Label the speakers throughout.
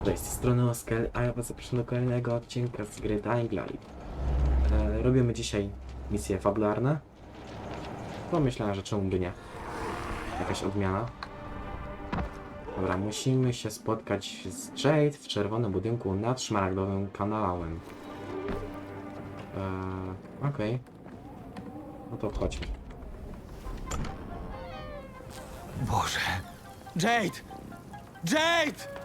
Speaker 1: Cześć, z tej strony Oskar, a ja was zapraszam do kolejnego odcinka z gry Dying Light. Robimy dzisiaj misje fabularne. Pomyślałem, że czemu by nie. Jakaś odmiana. Dobra, musimy się spotkać z Jade w czerwonym budynku nad szmaragdowym kanałem. Okej. No to chodźmy.
Speaker 2: Boże. Jade! Jade!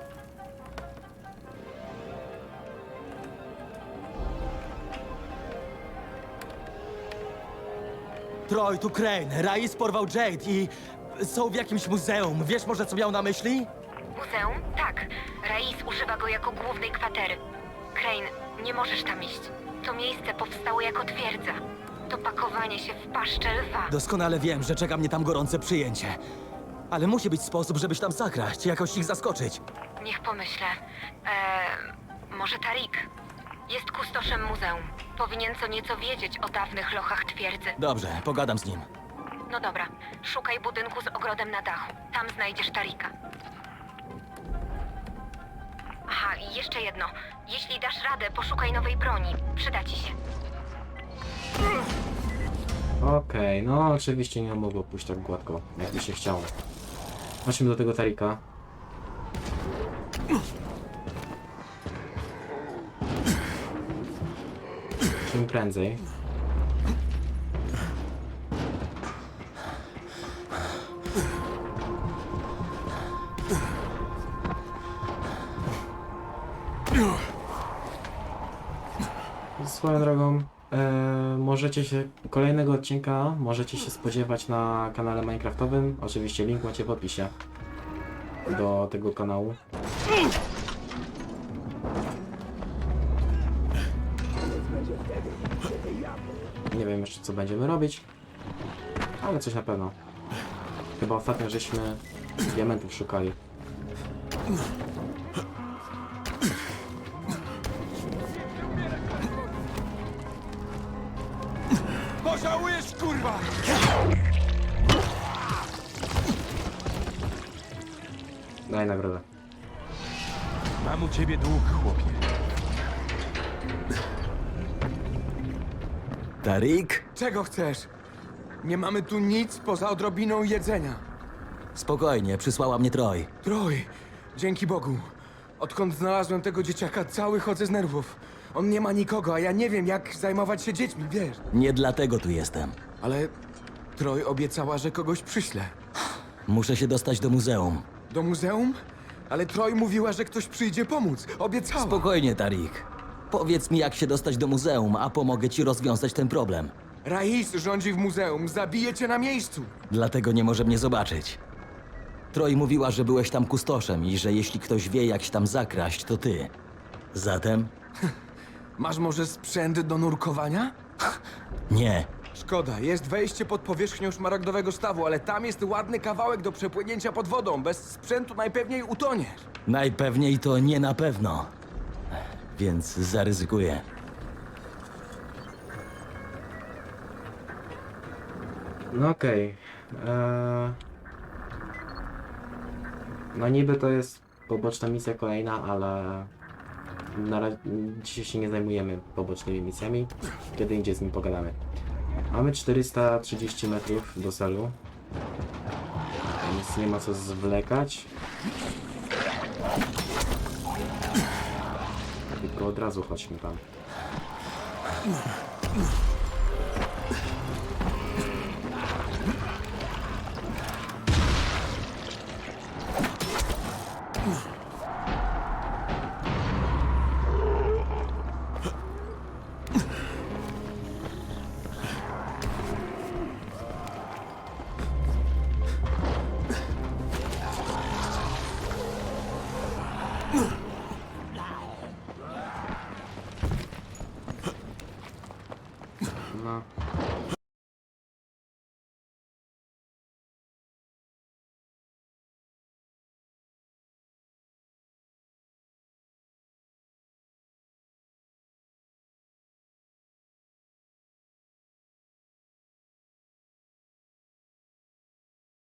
Speaker 2: Troy, tu Crane. Rais porwał Jade i są w jakimś muzeum. Wiesz może, co miał na myśli?
Speaker 3: Muzeum? Tak. Rais używa go jako głównej kwatery. Crane, nie możesz tam iść. To miejsce powstało jako twierdza. To pakowanie się w paszczę lwa.
Speaker 2: Doskonale wiem, że czeka mnie tam gorące przyjęcie. Ale musi być sposób, żebyś tam zakraść, jakoś ich zaskoczyć.
Speaker 3: Niech pomyślę. Może Tarik? Jest kustoszem muzeum. Powinien co nieco wiedzieć o dawnych lochach twierdzy.
Speaker 2: Dobrze, pogadam z nim.
Speaker 3: No dobra, szukaj budynku z ogrodem na dachu. Tam znajdziesz Tarika. Aha, i jeszcze jedno. Jeśli dasz radę, poszukaj nowej broni. Przyda ci się.
Speaker 1: Okej, no oczywiście nie mogło pójść tak gładko, jakby się chciało. Chodźmy do tego Tarika. Czym prędzej. Swoją drogą, możecie się kolejnego odcinka możecie się spodziewać na kanale Minecraftowym. Oczywiście link macie w opisie do tego kanału. Nie wiem jeszcze co będziemy robić, ale coś na pewno. Chyba ostatnio żeśmy diamentów szukali.
Speaker 2: Pożałujesz, kurwa!
Speaker 1: Daj nagrodę.
Speaker 4: Mam u ciebie dług, chłopie.
Speaker 2: Tarik?
Speaker 5: Czego chcesz? Nie mamy tu nic poza odrobiną jedzenia.
Speaker 2: Spokojnie, przysłała mnie Troy.
Speaker 5: Troj, dzięki Bogu. Odkąd znalazłem tego dzieciaka, cały chodzę z nerwów. On nie ma nikogo, a ja nie wiem, jak zajmować się dziećmi, wiesz.
Speaker 2: Nie dlatego tu jestem.
Speaker 5: Ale Troj obiecała, że kogoś przyśle.
Speaker 2: Muszę się dostać do muzeum.
Speaker 5: Do muzeum? Ale Troj mówiła, że ktoś przyjdzie pomóc. Obiecała.
Speaker 2: Spokojnie, Tarik. Powiedz mi, jak się dostać do muzeum, a pomogę ci rozwiązać ten problem.
Speaker 5: Rais rządzi w muzeum, zabije cię na miejscu.
Speaker 2: Dlatego nie może mnie zobaczyć. Troy mówiła, że byłeś tam kustoszem i że jeśli ktoś wie, jak się tam zakraść, to ty. Zatem?
Speaker 5: Masz może sprzęt do nurkowania?
Speaker 2: Nie.
Speaker 5: Szkoda, jest wejście pod powierzchnią szmaragdowego stawu, ale tam jest ładny kawałek do przepłynięcia pod wodą. Bez sprzętu najpewniej utoniesz.
Speaker 2: Najpewniej to nie na pewno. Więc zaryzykuję.
Speaker 1: No okej. No niby to jest poboczna misja kolejna, ale na razie dzisiaj się nie zajmujemy pobocznymi misjami. Kiedy indziej z nim pogadamy. Mamy 430 metrów do celu, więc nie ma co zwlekać. Tylko od razu chodźmy tam.